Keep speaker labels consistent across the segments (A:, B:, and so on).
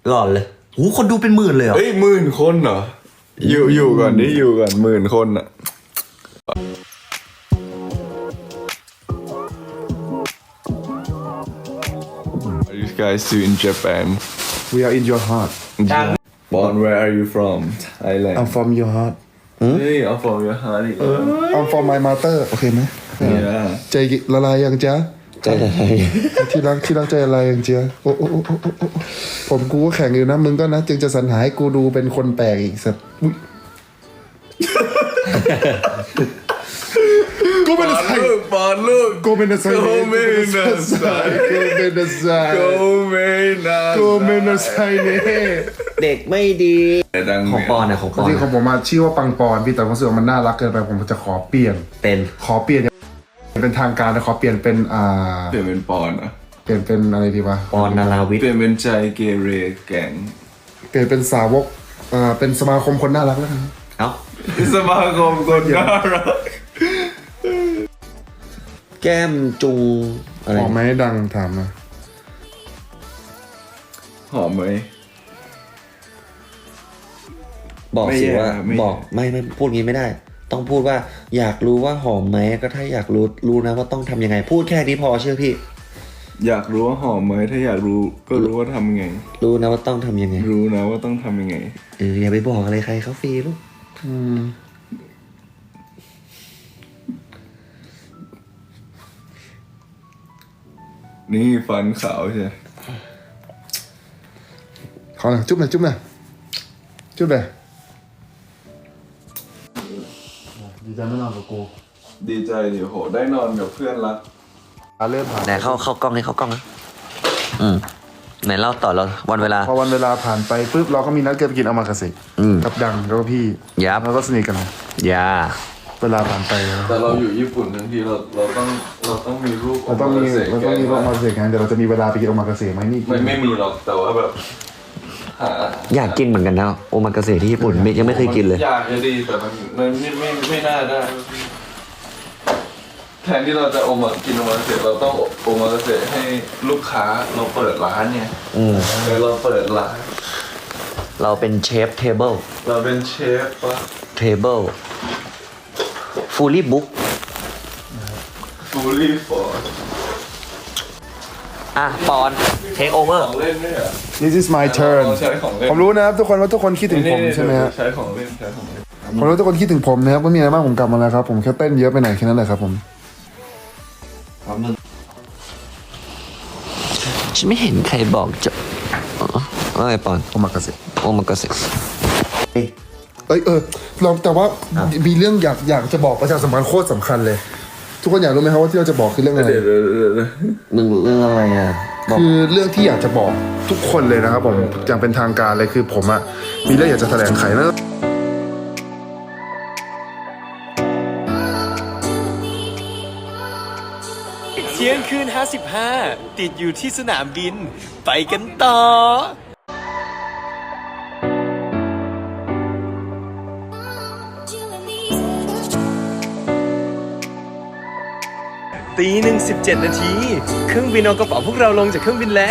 A: หลอนเลยโหคนดูเป็นหมื่นเลยเหรอ
B: เฮ้ย10,000 คนเหรออยู่ก่อนดิอยู่ก่อน10,000 คนอะ Are you guys still in Japan?
C: We are in your heart.
B: Born, where are you from? Thailand.
C: I'm from your heart.
B: Hey, I'm from your heart.
C: I'm from my mother. โอเคไหม
B: Yeah.
C: ใจละลายยังจ๊ะ
A: ใจอะไร
C: ที่รักใจละลายยังจ๊ะโอ้ผมกูก็แข่งอยู่นะมึงก็นะจึงจะสรรหาให้กูดูเป็นคนแปลกอีกสัตว์อุ๊ยกูเป็นอะไร
B: ปอนลูก
C: กูเป็นอะไร
B: กูเป็นอะไร
C: กูเป็นอะไร
B: กูเป็นอะไร
A: เด็กไม่ดีของปอนนะของปอน
C: ที่ของผมมาชื่อว่าปังปอนพี่แต่ผมรู้สึกว่ามันน่ารักเกินไปผมจะขอเปลี่ยน ขอเปลี่ยนเป็นทางการนะขอเปลี่ยนเป็น
B: เปลี่ยนเป็นปอนอะ
C: เปลี่ยนเป็นอะไรดีวะ
A: ปอนนาราวิท
B: เปลี่ยนเป็นใจเกเรแก๊ง
C: เปลี่ยนเป็นสาวกเป็นสมาคมคนน่ารักแล้วกัน
A: เอ้า
B: สมาคมคนน่ารัก
A: แก้มจุงอะไร
C: ออกไหมดังถามมา
B: หอมไหม
A: บอกสิว่า
B: ไม่แย่
A: บอกไม่พูดงี้ไม่ได้ ต้องพูดว่าอยากรู้ว่าหอมไหมก็ถ้าอยากรู้นะว่าต้องทำยังไง พูดแค่นี้พอเชื่อพี่
B: อยากรู้ว่าหอมไหมถ้าอยากรู้ก็รู้ว่าทำไง
A: รู้นะว่าต้องทำยังไง
B: รู้นะว่าต้องทำยังไง
A: อย่าไปบอกอะไรใครเขาฟรีลูก
B: นี่ฟันขาวใช่
C: ขอหน่อยจุ๊บหน่อยจุ๊บหน่อยจุ๊บหน่อยดีใจไม่นอนกับกู
B: ดีใจดิโหได้นอนกับเพื่อนรัก
C: เริ่มผ่าน
A: ไหนเข้ากล้องนี่เข้ากล้องนะไหนเล่าต่อเราวันเวลา
C: พอวันเวลาผ่านไปปุ๊บเราก็มีนัดกันไปกินอามากาเสะกับดังแล้วก็พี่
A: ยับ
C: แล้วก็สนิทกัน
A: ยา
C: เวลาผ่านไป
B: แต่เราอยู่ญี่ปุ่นทั้งทีเราต้องมีรูป
C: เราต้องมีรูปอามากาเสะกันแต่เราจะมีเวลาไปกินอามากาเสะไหมนี่
B: ไม่มีหรอกแต่ว่าแบบ
A: อยากกินเหมือนกันนะโอมากาเสะที่ญี่ปุ่นยังไม่เคยกินเลย
B: อยากจะดีแต่มันไม่น่าได้แทนที่เราจะกินโอมากาเสะเราต้องโอมากาเสะให้ลูกค้าเราเปิดร้านเนี่ยเราเปิดร้าน
A: เราเป็นเชฟเทเบิล
B: เราเป็นเชฟปะ
A: เทเบิลฟูลี่บุ๊ก
B: fully for
A: ปอนเทคโอเวอร์
B: ของเล่นด้วยเหรอ
C: This is my turn
B: เราใช้ของเล่น
C: ผมรู้นะครับทุกคนว่าทุกคนคิดถึงผมใช่ไหมฮะ
B: ใช้ของเล่น
C: ผมรู้ทุกคนคิดถึงผมนะครับไม่มีอะไรมากผมกลับมาแล้วครับผมแค่เต้นเยอะไปหน่อยแค่นั้นแหละครับผม
A: ฉันไม่เห็นใครบอกจะว่าไงปอน
C: โอมากาเสะ
A: โอมากาเสะ
C: เราแต่ว่ามีเรื่องอยากจะบอกประชาสัมพันธ์โคตรสำคัญเลย ทุกคนอยากรู้ไหมครับว่าที่เราจะบอกคือเรื่องอะไร
B: เดี๋ยว
A: เรื่องอะไรอ่ะบอก
C: คือเรื่องที่อยากจะบอกทุกคนเลยนะครับผมอย่างเป็นทางการเลยคือผมอะมีเรื่องอยากจะแถลงไขนะ
D: เที่ยงคืน55 ติดอยู่ที่สนามบิน ไปกันต่อ ตี 1 17 นาที เครื่องบินเอากระเป๋าพวกเราลงจากเครื่องบินแล้ว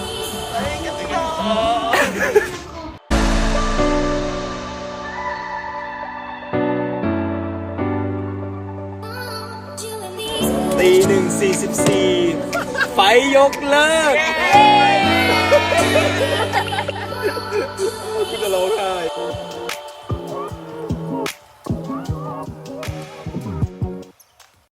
D: ตี 1 44 ไฟยกเลิกกูจะร้องไห้